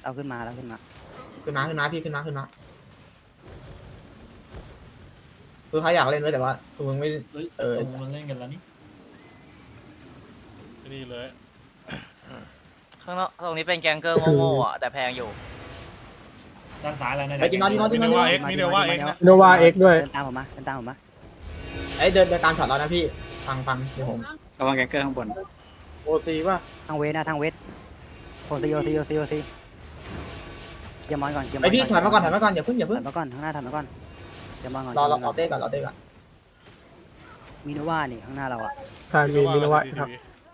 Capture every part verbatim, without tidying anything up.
เอาขึ้นมาแล้วขึ้นมาขึ้นมาขึ้นมาพี่ขึ้นมาขึ้นมาคือเขาอยากเล่นด้วยแต่ว่าคือมึงไม่เออมันเล่นกันแล้วนี่นี่เลยข้างนอกตรงนี้เป็นแกงเกอร์โง่ๆอ่ะแต่แพงอยู่ด้านซ้ายแล้วนะไอ้จิมมาจิมมาจิมิมโนมาว่าเอ็กมิโนว่าเอ็กนะโนวาเอ็กด้วยเดินตามผมมาเดินตามผมมาไอ้เดินเดินตามช็อตเรานะพี่ฟังฟังเดี๋ยวผมระวังแกงเกอร์ข้างบนโอซีป่ะทางเวทนะทางเวทโอซีโอซีโอซีโอซีเกียร์มอนก่อนเกียร์มอนไอพี่ถอยมาก่อนถอยมาก่อนอย่าเพิ่งอย่าถเพิ่อง ยมาก่อนข้างหน้าถอยมาก่อนเกียร์มอนก่อนรอรอรอเต้ก่อนรอเต้ก่อนมีโนว่านี่ข้างหน้าเราอ่ะทานวีมินวะครับ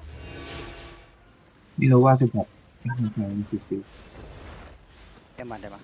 นี่รู้ว่าสิบหกสิบสี่เกียร์มอนได้ปะ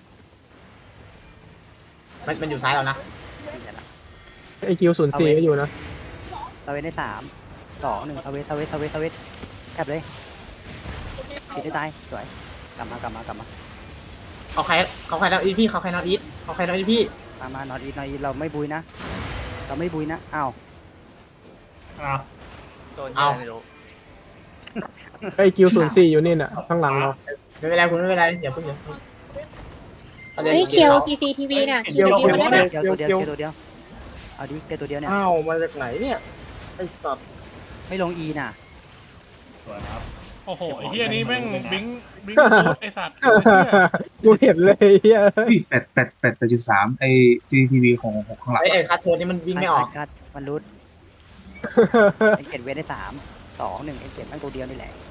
มันมันอยู่ซ้ายเรานะไม่ใช่ละไอคิวศูนย์สี่ก็อยู่นะทาเวทได้สามสองหนึ่งทาเวททาเวททาเวททาเวทแคบเลยติดได้ตายสวยกลับมากลับมากลับมาเขาใครเขาใครนะอีพี่เขาใครนะอีทเขาใครนะอีพี่มามานอตอีนอตอีเราไม่บุยนะ เราไม่บุยนะอ้าวอ้าวโดนยังไม่รู้ไอคิวศูนย์สี่อยู่นี่น่ะข้างหลังเราไม่เป็นไรคุณไม่เป็นไรอย่าเพิ่งอย่าเพิ่งเฮ้ยเคียว ซี ซี ที วี น่ะ คิว คิวมาได้ปะเกียวตัวเดียวเกียวตัวเดียวเอาดิเกียวตัวเดียวเนี่ยอ้าวมาจากไหนเนี่ยไอสัตว์ไม่ลงอีน่ะสวยครับโอ้โหไอ้เฮียนี่แม่งบิงบิงไอ้สัตว์กูเห็นเลยเฮียแปดแปดแปดแปดจุดสามไอซีทีวีของหกข้างหลังไอ้ไอ้คัทโทนนี่มันวิ่งไม่ออกคัดมันรุดไอเก็ดเวทได้สามสองหนึ่งไอเก็ดมันตัวเดียวนี่แหละ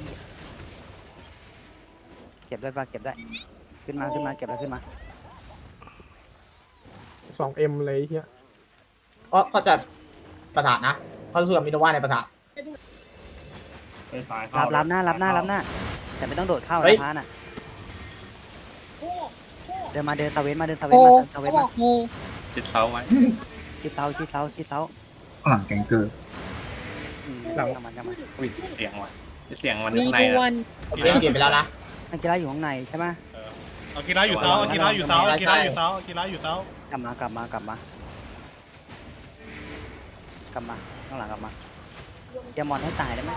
เก็บได้ปะเก็บได้ขึ้นมาขึ้นมาเก็บแล้วขึ้นมาสองเอ็มเลยเฮียเพราะเขาจะประสาทนะเขาสู้กับมิโนวาในประสาทไปซ้ายรับรับหน้ารับหน้ารับหน้าแต่ไม่ต้องโดดเข้าเฮ้ยนะพาน่ะเดินมาเดินตะเวนมาเดินตะเวโอ้นมาตะเวเขานบมาอกงูติดเสาไว้ชิดเท้าชิดเท้าชิดเท้าข้างหลังแกงเกอร์อืมกำมันกำมันอุ้ยเสียงว่ะเสียงมันมีข้างในดูนะวันเล่นเกมไปแล้วนะนักกีฬาอยู่ข้างในใช่ไหมเอากีฬาอยู่เท้าเอากีฬาอยู่เท้าเอากีฬาอยู่เท้าเอากีฬาอยู่เท้ากลับมากลับมากลับมากลับมาข้างหลังกลับมาเกียร์มอนให้ตายได้ไหม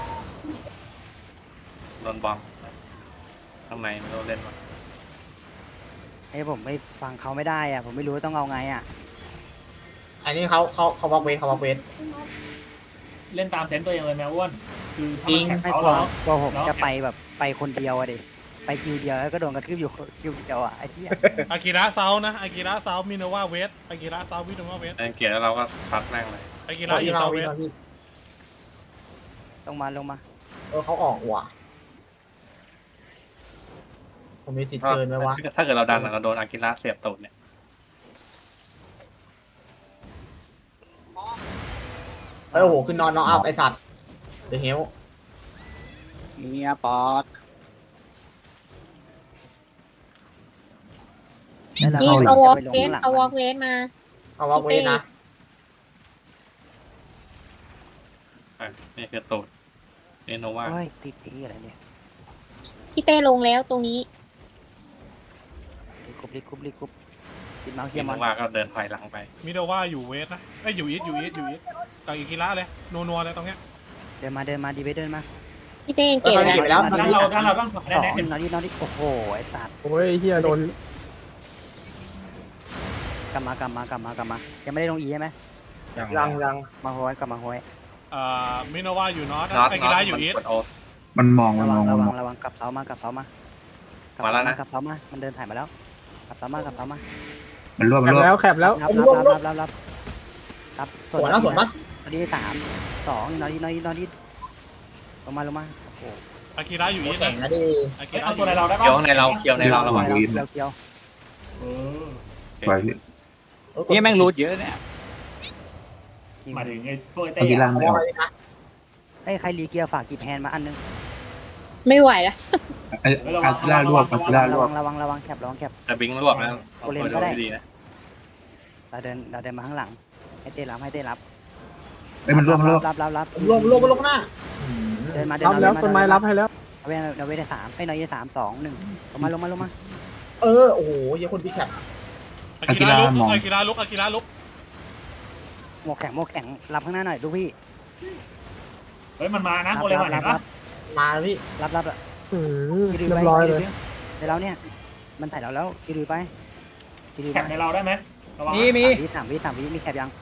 โดนบอมข้างในไม่รู้เล่นวะไอ้ผมไม่ฟังเขาไม่ได้อ่ะผมไม่รู้ว่าต้องเอาไงอ่ะอันนี้เขาเขาเขาวอล์กเวทเขาวอล์กเวทเล่นตามเซนตัวเองเลยแมวอ้วนคือถ้าจริงมันแข่งไม่เขากลัวแล้วกลัวผมจะไปแบบไปคนเดียวอะดิไปคิวเดียวแล้วก็โดนกระทืบอยู่คิวเดียวอ่ะไอ้เหี้ยอากิระเซานะอากิระเซามิโนว่าเวสอากิระเซามิโนว่าเวสเกียร์แล้วเราก็ซัดแม่งเลยอากิเราระออียู่มาเซาวีเวสมาพี่ลงมาลงมาเออเขาออกว่ะผมมีสิทธิ์เชิญไหมวะถ้าเกิดเราดันเราโดนอากิระเสียบตูดเนี่ยเออโอ้โหขึ้นนอนนอนอัพไอสัตว์เดอะเฮลเนี่ยป๊อดแล้วเรานี่ก็เขาวอล์กจะไปลงเวสข้างหลังเขาวอล์กมันเวสมาเขาวอล์กเวทนะอ่ะนี่คือตูดนี่โนว่าโอ้ยติดตีอะไรเนี่ยพี่เต้ลงแล้วตรงนี้รีคุบรีคุบรีคุบติดเมาส์เกีนี่ยร์โนมอนว่าก็เดินถอยหลังไปมิโนว่าอยู่เวสนะไอ้อยู่อีทอยู่อีทอยู่อีทกับอากิระเลยนัวๆเลยตรงเนี้ยเดินมาเดินมาดีเวทเดินมาพี่เต้ยังเออเก็บเขาแล้วเก็บไปแล้วด้านเราด้านเราต้องได้สองแน่นอนนี่นอนนี่โอ้โหไอ้สัตว์โอ้ยเฮียโดนกลับมากลับมากลับมากลับมายังไม่ได้ลงอีใช่ไหมยังยังมาโฮยกลับมาโฮยอ่ามิโนว่าอยู่นอตน็อตอาน็กิอระตอยู่มันอีทกดโอมันมองมัระนวัมงองระมันวัมงองระวังกลับเสามากลับเสามามาแล้วนะกลับเสามามันเดินถ่ายมาแล้วกลับเสามากลับเสามามันรวบแคมันบรวบแล้วแคบแล้วรับรับรับรับรับรับสวนแล้วสวนปะนอนนี่สามสองนอนนี่นอนนี่นอนนี่ลงมาลงมาโอ้โหอากิระอยู่หัอีวทแข่งนะนะดิอากิเฮ้ยระเอาอตัวยู่ในเราได้เคี้ยวปะในเราเคี้ยวในเราระหว่างเกียืยนวเกียวเออไปพี่นี่แม่งรูดเยอะเนี่ยหมายถึงไอ้พวกไอ้เต้อากิระอะไม่วออล์อกกนะไอ้ใครรีเกียร์ฝากกีบแฮนมาอันนึงไม่ไหวแล้วไอ้อากิระรวบอากิระระรววับงระวังระวังแคบระวังแคบแต่บิงรวบแล้วเอาตัวดูดีนะเราเดินเราเดินมาข้างหลังให้เต้รับให้เต้รับไอ้มันรวบมันรวบรับรับรับรวมรวมมาลงหน้าเดินมาเดินรับมาแล้วต้นไม้รับให้แล้วเอาไว้เอาไว้ได้สามไอ้น้อยได้สามสองหนึ่งลงมาลงมาลงมาเออโอ้โหเหี้ยคนพี่แคปอากิระลุกอากิระลุกอากิระลุกหมวกแข็งหมวกแข็งรับข้างหน้าหน่อยลูกพี่เฮ้ยมันมานะโมเลมันเห็นปะมาแล้วพี่รับรับอืมยืดเรียไว้บร้อยเลยเดี๋ยวเราเนี่ยมันถ่ายเราแล้วคิริวไปคิริวแคไปปในเราได้ไหมระวังมีมีสามวิสามวิสามวิมีแคปยัง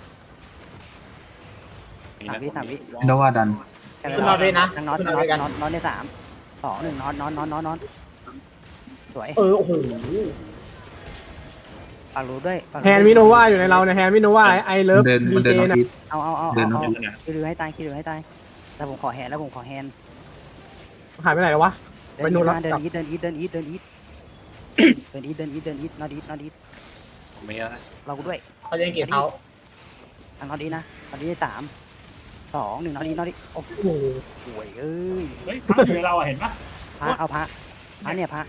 มีสามนะวิสามวิมิโนว่าดันแคปขึ้นนอนเวทนะทางน็อตขึ้นนน็ออน ตเวทกันน็อตน็อตในสามสองหนึ่งน็อตน็อตน็อตน็อตน็อตสวยเออโอ้โหปากรูด้วยปากรูแฮนด์มิโนว่าอยู่ในเราเนี่ยแฮนด์มิโนว่าไอเลิฟเดินดีมันเจเดินนอนะทิศเอาเอาเอาเดิเอานเอานอทิศคิริวให้ตายคิริวให้ตายแต่ผมขอแฮนด์แล้วผมขอแฮนด์หายไปไหนแล้ววะเดิไปนนู่นแล้วมาเดินกลับอีทเดินอีทเดินอีทเดินอีทเดินอีทเดินอีทเดินอีทน็อตอีทน็อตอีทผมไม่เยอะนะเรากูด้วยเขาจะเกตเท้าทางน็อตอีทนะน็อตอีทสามสองหนึ่งน็อตอีทน็อตอีทโอ้โหสวยเอ้ยเฮ้ยพักอยู่ในเราอ่ะเห็นปะพระเอาพระพระเนี่ยพระ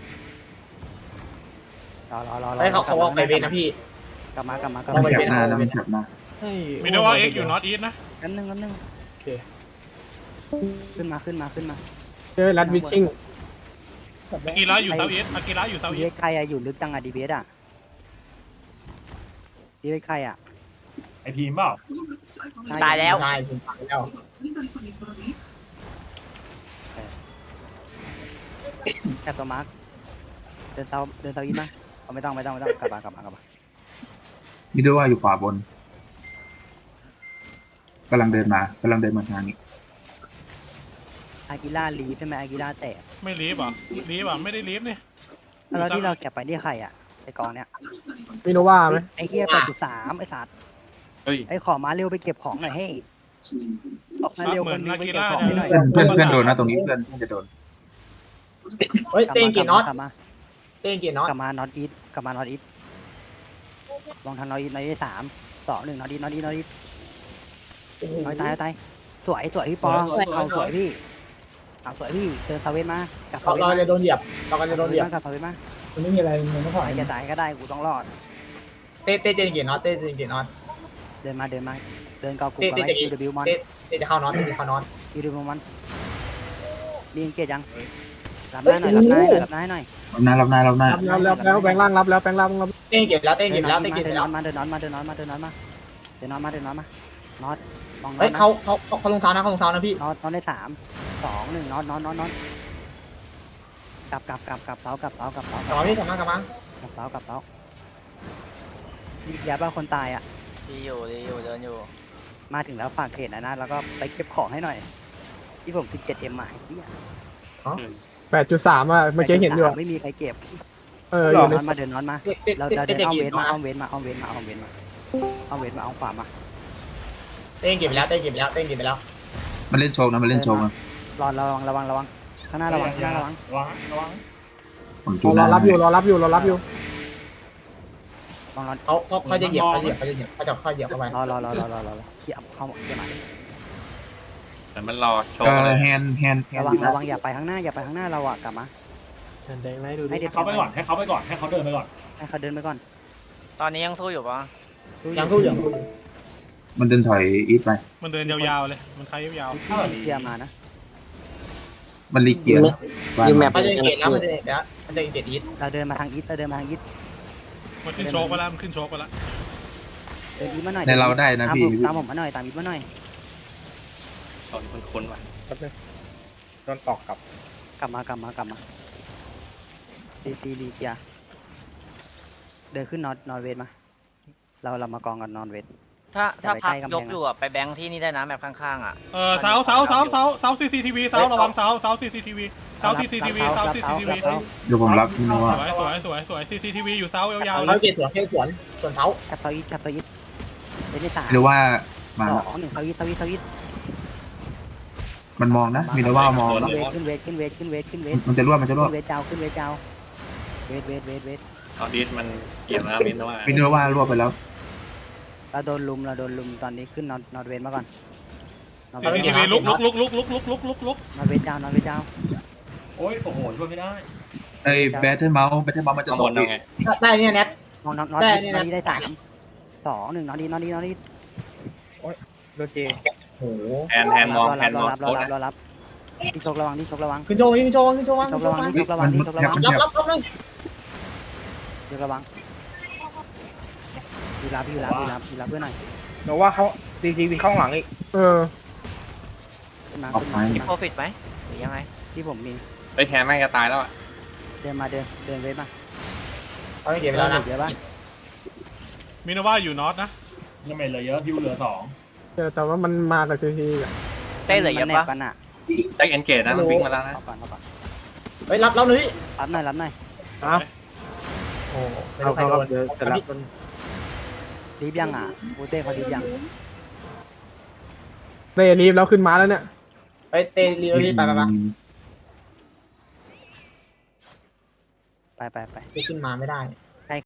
รอรอรอรอให้เขาเขาว่าไปเวทนะพี่กลับมากลับมากลับลองมาไปมันแคบหน้านะมันแคบหน้ามิโนว่าเอ็กอยู่นอตอีทนะอันนึงอันนึงขึ้นมาขึ้นมาขึ้นมาเจอรัดวิชชิ่งอากิระอยู่เซาท์อีทอากิระอยู่เซาท์ดีอีเอทสใครอะอยู่ลึกจังอะดีเอสอะดีเอสใครอะไอทีมเปล่าตายแล้วใช่ผมตายแล้วแคปตัวมาร์คเดินเซาเดินเซาอีทมาเอาไม่ต้องไม่ต้องไม่ต้องกลับมากลับมากลับมามิโนว่าอยู่ขวาบนกำลังเดินมากำลังเดินมาทางนี้อากิล่าลีฟใช่ไหมอากิล่าแตกไม่ลีฟเหรอ่ะลีฟอ่ะไม่ได้ลีฟนี่แล้วที่เราเก็บไปนี่ใครอะไอกองเนี้ยมิโนว่าไหมไอเฮียแปดจุดสามไอสัตว์เฮ้ยไอขอมาเร็วไปเก็บของหน่อยเฮ้ยออกมาเร็วเหมืคอนนนึงอาไปกิเก็บระของเนี่ให้ยหน่อยเพื่อนเพื่อนเพื่อนโดนนะตรงนี้เพื่อนเพื่อนจะโดนเฮ้ยเต้งเกตน็อตกลับมาเต้งเกตน็อตกลับมาน็อตอีทกลับมาน็อตอีทลองทางน็อตอีทน็อตอีทสามสองหนึ่งน็อตอีทน็อตอีทน็อตอีทโอ้โหน็อตตายน็อตตายสวยสวยพี่ปอเอาสวยพี่เอาสวยพี่เจอซาเวนมากลับเราซาเวนเรามาจะโดนเหยียบเราก็จะโดนเหยียบกลับซาเวนมามันไม่มีอะไรมันไม่พอใครจะตายก็ได้กูต้องรอดเต้เต้เจนเกตน็อตเต้เจนเกตน็อตเดินมาเดินมาเดินเกากูเต้กับเต้ไอ้จะคิวดบิวมอนเต้เต้จะเข้าน็อตเต้จะเข้าน็อตคิวดบิวมอนมีเกียรยังรับหน้าหน่อยรับหน้าหน่อยรับหน้าหน่อยรับหน้ารับหน้ารับหน้ารับแล้วแล้วแบงค์ล่างรับแล้วแบงค์ล่างรับเต้งเกตแล้วเต้งเกเดิตนแล้วน็เต้งเกตอตแล้วมาเดินน็อตมาเดินน็อตมาเดินน็อตมาเดินน็อตมาเดินน็อตมาเดินน็อตมาน็อตมองน็อเฮ้ตยนะเขาเขาเขาเขาลงเท้านะเขาลงเท้านะพี่น็อตน็อตได้สามสองหนึ่งน็อตน็อตน็อตน็อตกลับกลับกลับกลับเสากลับเสากลับเสากลับมาพี่กลับมากลับมากลับเสากลับเสาอย่าบ้าคนตายอ่ะดีอยู่ดีอยู่เดินอยู่มาถึงแล้วฝากเขตนะนะแล้วก็ไปเก็บของให้หน่อย ที่ผมสิบเจ็ดเอ็มมาที่แปดจุดสามอ่ะเมื่อกี้เห็นอยู่อะไม่มีใครเก็บเอออเดิยู่นในนอนมาเดินนอนมาเต้เต้เราเต้เราเดิเต้นเจเอานเวเกทตมาน็อตเอานะเวทมาเอาเวทมาเอาเวทมาเอาเวทมาเอาขวามาเต้งเกตไปแล้วเต้งเกตไปแล้วเต้งเกตไปแล้วมันเล่นโชว์นะมันเล่นโชว์นะรอระวังระวังระวังข้างหน้าระวังข้างหน้าระวังระวังระวังผมจูรนอรับอยู่รอรับอยู่รอรับอยู่ลองรอเขาเขาเขาจะเหยียบเขาจะเหยียบเขาจะเหยียบเขาจะเขาเหยียบเข้าไปรอรอรอรอรอรอเกี่ยวเข้าเกี่ยวมาแต่มันรอโชว์เอเลอย แฮนด์แฮนด์แฮนระด์วังระวังอย่าไปข้างหน้าอย่าไปข้างหน้าเราอะกลับมาแดงไล่ดูดิให้ให้เด็กเขาไปก่อนให้เขาไปก่อนให้เขาเดินไปก่อนให้เขาเดินไปก่อนตอนนี้ยังสู้อยู่ปะยังสู้อยู่มันเดินถอยอีทไปมันเดินยาวๆเลยมันใช้ยาวเกี่ยวมานะมันรีเกียร์บ้านยูแมปเขาจะเกตแล้วมันจะเกตแล้วมันจะเกตอีทเราเดินมาทางอีทเราเดินมาทางอีทๆมันขึ้นโชกไปแล้วมันขึ้นโชกไปแล้วเดินอีทมาหน่อยในเราได้นะตามพี่ผมตามผมมาหน่อยตามอีทมาหน่อยตอนคุ้นๆว่ะโดนตอกกลับกลับมากลับมากลับมาดีซีดีเกียเดินขึ้นนอนนอนเวทมา เราเรามากองกันนอนเวทถ้าถ้าอย่าไปพักใกล้กำแพงยกอยู่อ่ะไปแบงค์ที่นี่ได้นะแมปข้างๆอ่ะเออเสาเสาเสาเสาเสาซีซีทีวีเสาระวังเสาเสาซีซีทีวีเสาซีซีทีวีเสาซีซีทีวีเดี๋ยวผมรับมิโนสว่าวยสวยสวยสวยซีซีทีวีอยู่เสายาวๆเลเขายเกตสวนเกตสวนสวนเท้ากับเซาอีทกับเซาอีทเดินได้สามมิโนว่ามาสแล้วองหนึ่งเซาอีทเซาอีทเซาอีทมันมองนะมิโนว่ามองขึ้แล้วนเวทขึ้นเวทขึ้นเวทขึ้นเวทขึ้นเวทมันจะร่วมมันจะร่วขึ้มนเวทเจ้าขึ้นเวทเจ้าเวทเวทเวทเวทตอนนี้มันเกี่ยวนะมินว่ามิโนว่าร่วมไปแล้วเราโดนลุมเราโดนลุมตอนนี้ขึ้นนอนนอนเวทมาก่อนนอนซีเวซีททีวีลุกลุกลุกลุกลุกลุกลุกลุกลุกนอนเวทเจ้านอนเวทเจ้าโอ้ยโอ้โหช่วยไม่ได้ไอ้แบทเทิลเมาส์แบทเทิลเมาส์มันจะข้างตบกนอีเอากไงได้เนี่ยแนทนอนนอนนอนได้นนี่อนะนนี้ได้สามสองหนึ่งนอนนี้นอนนี้นอนนี้โดนเจโอ้โหแฮนแฮนมองรอแฮรับนรมอองรับรโชอว์รับนะรอรับที่ชกระวังที่ชกระวังขึ้นโชว์ขึ้นโชว์ขึ้นโชว์วางชขึ้นกโชว์ระวางวังขึ้นที่โชชว์กวางระวังที่ชกระวังที่ชกระวังรับรับรับเลยชกระวังพี่รับพี่รับพี่รับพี่รับเพื่อนหน่อยหนูว่าเขาดีทีวีข้างหลังอีกเออขึ้นมาออกขึ้นไปมามีขึ้นโปรมาฟิตไหมหรือยังไงที่ผมมีเฮ้ยแฮนแม่งจะตายแล้วอ่ะเดินมาเดินเดินเวทมาเขาไม่เก็บไปแล้วนะเยอะปะมินว่าอยู่นอตนะยังไม่เหลือเยอะฮิวเหลือสองเออแต่ว่ามันมากับทีทีอ่ะเต้เหลือเยอะมันแนปะบกันอ่ะแจ็คเอนเกตนะมันวิ่งมาแล้วนะเอาก่อนเอาก่อนเฮ้ยรับรับเลยรับหน่อยรับหน่อยเอาโอ้ไม่เอารู้ใครเขาโดนเดี๋ยวจะรับรีบยังอ่ะบูเต้เขารีบยังเต้รีบแล้วขึ้นมาแล้วเนี่ยไปเตะรีบพี่ไปไปไปไปไปไปขึ้นมาไม่ได้ไ